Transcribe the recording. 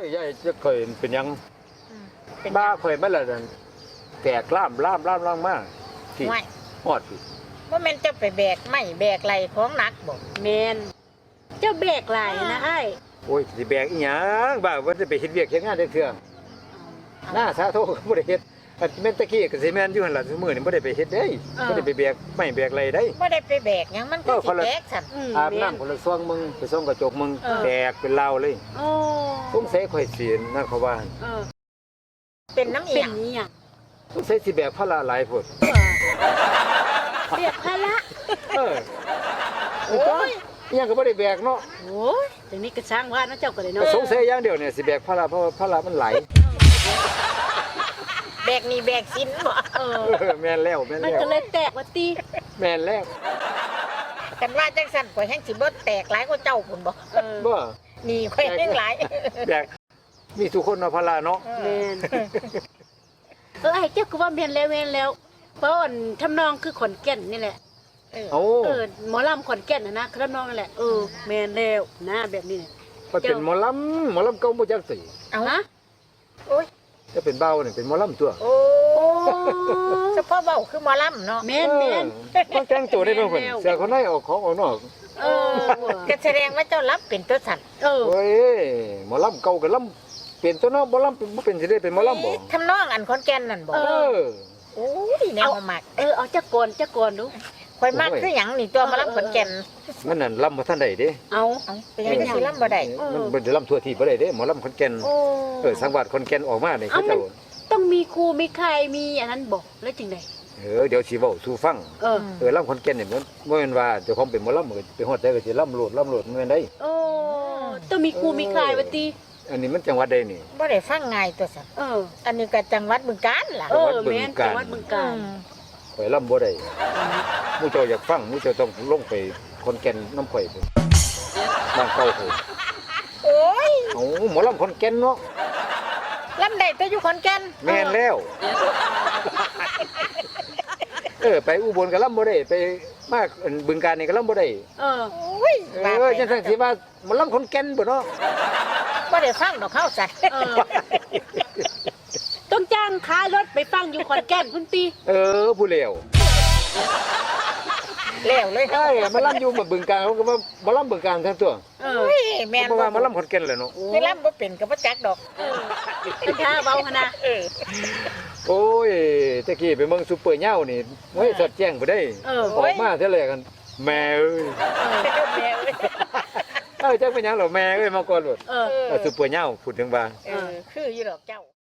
ยายจะเคยเป็นยังเป็นบ้าเคยไหมล่ะนั่นแตกล่ามมากที่ไม่ฮอดที่ว่าแม่นจะไปแบกไม่แบกไหลของหนักบ่แมนเจ้าแบกหลายนะไอ้โอ้ยสิแบกอีหยังบ้าว่าจะไปเฮ็ดเวียกเฮ็ดงานได้เทื่อหน้าสาโทก็บ่ได้เฮ็ดอันแม่นตะกี้ก็สิแม่นอยู่หั่นล่ะซุมื้อนี้บ่ได้ไปเฮ็ดเด้บ่ได้ไปแบกไม่แบกอะไรได้บ่ได้ไปแบกหยังมันก็สิแบกสั่นอาบน้ำคนละซ่วงมึงไปซ่องกระจกมึงแบกเป็นลาวเลยโอ้สงสัยข่อยสินั่นเขาว่าเออเป็นน้ำเอีเป็ยนงนี่อ่ะสงสัยสิแบกภาระหลายพุ่นแบกภาระเออโอ้ยอิหยังก็บ่ได้แบกเนาะโอ้ยแต่นี่ก็ช่างว่านะเจ้าก็เลยเนาะสงสัยอย่างเดียวเนี่ยสิแบกภาระเพราะว่าภาระมันไหลแบกนี่แบกสินบ่เออแม่นแล้วมันก็เลยแตกว่าตีแม่นแล้วกันว่าจังสั่นข่อยแห้งสิเบิดแตกหลายกว่าเจ้าพุ่นบ่เออบ่นี่ข่อยแห้งหลายแบกมีทุกคนเนาะภาระเนาะแมนไอ้เจ้าก็ว่าแมนแล้วเพราะอันทำนองคือขอนแก่นนี่แหละโอ้หมอลำขอนแก่นนะทำนองนั่นแหละแมนแล้วนะแบบนี้เนี่ยมันเป็นหมอลำเก่าบ่จักสิเอาฮะโอ้ยจะเป็นเบาเนี่ยเป็นหมอลำตัวโอ้เฉพาะเว้าคือหมอลำเนาะแมนต้องแต่งตัวได้เพิ่นเสื้อคนในออกของออกนอกเออก็แสดงว่าเจ้ารับเป็นตัวสั่นโอ้ยหมอลำเก่าก็ลำเป็นตัวเนาะบ่ลำบ่เป็นสิได้เป็นหมอลำบ่ทำนองอันขอนแก่นนั่นบ่เออโอ้ยแนวมักเอาจักก่อนดูข่อยมักคือหยังนี่ตัวหมาลำขอนแก่นมันนั่นลำบ่ทันได้เด้เอาเอ้าเป็นยังไงสิลำบ่ได้มันบ่ได้ลำทั่วที่บ่ได้เด้หมอลำขอนแก่นโอ้สังวาสขอนแก่นออกมานี่เขามัเจ้าต้องมีครูมีใครมีอันนั้นบอกแล้วจริงไดเดี๋ยวสิเว้าสู่ฟัง ลำขอนแก่นนี่มันบ่แม่นว่าเจ้าของเป็นหมอลำก็ไปฮอดใจก็สิลำโลดมันแม่นได้โอ้ต้องมีครูมีใครวะตีอันนี้มันจังหวัดใดนี่บ่ได้ฟังง่ายตัวสั่นอันนี้ก็จังหวัดบึงกาฬล่ะแม่นจังหวัดบึงกาฬข่อยลำบ่ได้หมู่เจ้าอยากฟังหมู่เจ้าต้องลงไปขอนแก่นน้ำข่อยพุ่นบ้านเก่าพุ่นโอ้ยเอ้าหมอลำขอนแก่นเนาะลำได้แต่อยู่ขอนแก่นแม่นแล้ว ไปอุบลก็ลำบ่ได้ไปมาบึงกาฬนี่ก็ลำบ่ได้เออโอ้ยจังซั่นสิว่าหมอลำขอนแก่นบ่เนาะบ่ได้ฟังดอกเขาสั่นต้องจ้างค้ารถไปฟังอยู่ขอนแก่นคุณตีผู้เลวแล้วเลยใช่มาลำอยู่มาบึงกาฬเขาก็ว่าบ่ลำบึงกาฬทั้งตัวโอ้ยแม่นเพราะว่ามาลำขอนแก่นแหละเนาะสิลำบ่เป็นก็บ่จักดอกเป็นท่าเบาขนาดโอ้ยตะกี้ไปเมืองซุปเปอร์เหย้านี่โอ้ยสอดแจ้งบ่ได้ออกมาเท่าไหร่กันแม่เอ้ยแม่เอ้ยจักเป็นหยังเหรอแม่เอ้ยมาก่อนโลดเออซุปเปอร์เหย้าพูดถึงว่าคืออยู่ดอกเจ้า